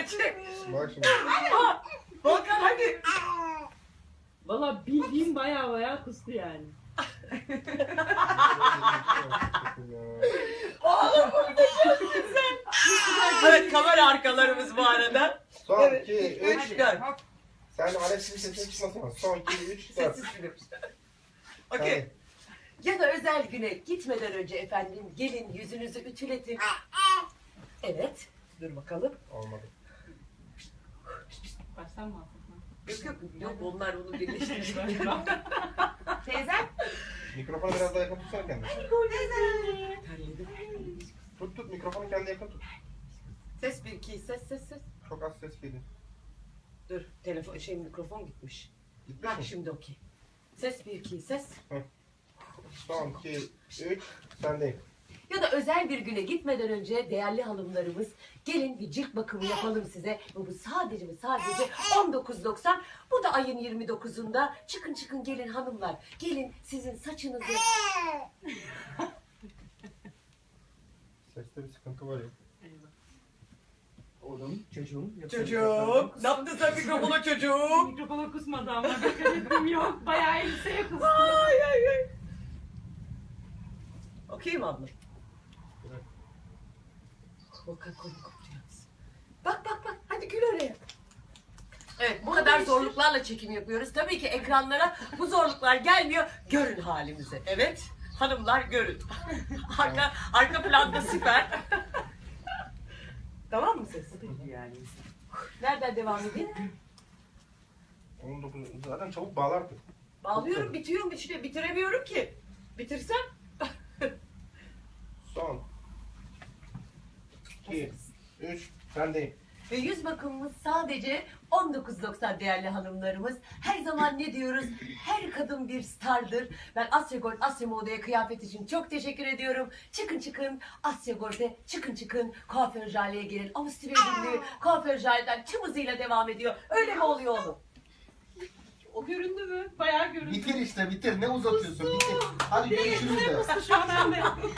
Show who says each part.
Speaker 1: çek.
Speaker 2: Bak şimdi.
Speaker 1: Volkan hadi.
Speaker 3: Valla bildiğim baya kustu yani.
Speaker 1: Oğlum muhteşemsin sen. Evet kamera arkalarımız bu arada.
Speaker 2: Son
Speaker 1: Evet,
Speaker 2: 2, 3,
Speaker 1: 3, 4.
Speaker 2: Sen Alex'in sesini çıkmasın. Son 2, 3, 4.
Speaker 1: Sessiz film. Okey. Ya da özel güne gitmeden önce efendim gelin yüzünüzü ütületin. Evet. Dur bakalım.
Speaker 2: Olmadı.
Speaker 3: Baştan mı alsak?
Speaker 1: Yok onlar bunu birleştirecek.
Speaker 4: Teyzem.
Speaker 2: Mikrofonu biraz daha yakın tutsana kendini.
Speaker 1: Terledim.
Speaker 2: Tut mikrofonu kendine yakın tut.
Speaker 1: Ses 1 2 ses.
Speaker 2: Çok az ses geliyor.
Speaker 1: Dur telefon mikrofon gitmiş.
Speaker 2: Gitmiş
Speaker 1: Bak
Speaker 2: mi?
Speaker 1: şimdi okey. Ses 1 2 ses.
Speaker 2: Son 2, 3, sendeyim.
Speaker 1: Ya da özel bir güne gitmeden önce değerli hanımlarımız gelin bir cilt bakımı yapalım size. Ve bu sadece 19.90. Bu da ayın 29'unda. Çıkın gelin hanımlar. Gelin sizin saçınızı.
Speaker 2: Seste bir sıkıntı var ya.
Speaker 3: Oğlum, çocuğum.
Speaker 1: Çocuğum. Ne yaptın sen mikrofona çocuğum?
Speaker 3: Mikrofona kusmadı ama dikkat ettim yok. Bayağı elbiseye kustu.
Speaker 1: Ay. Okey mi abla?
Speaker 2: Evet.
Speaker 1: Volkan kolunu kopuyor musun? Bak. Hadi gül oraya. Evet bu kadar zorluklarla çekim yapıyoruz. Tabii ki ekranlara bu zorluklar gelmiyor. Görün halimizi. Evet. Hanımlar görün. arka planda süper. Tamam mı ses?
Speaker 3: Yani.
Speaker 1: Nereden devam edeyim?
Speaker 2: 19, zaten çabuk bağlardı.
Speaker 1: Bağlıyorum bitiyor işte bitiremiyorum ki. Bitirsem
Speaker 2: Son 2, 3, sendeyim.
Speaker 1: ve yüz bakımımız sadece 19.90 değerli hanımlarımız. Her zaman ne diyoruz? Her kadın bir stardır. Ben Asya Gold, Asya Moda'ya kıyafet için çok teşekkür ediyorum. Çıkın Asya Gold'e çıkın kuaför Jale'ye gelin. Avusturya Birliği kuaför Jale'den tüm hızıyla devam ediyor. Öyle mi oluyor oğlum?
Speaker 3: O göründü mü? Bayağı göründü.
Speaker 2: Bitir işte bitir. Ne uzatıyorsun? Bitir. Hadi görüşürüz de.
Speaker 3: Şu an ben de.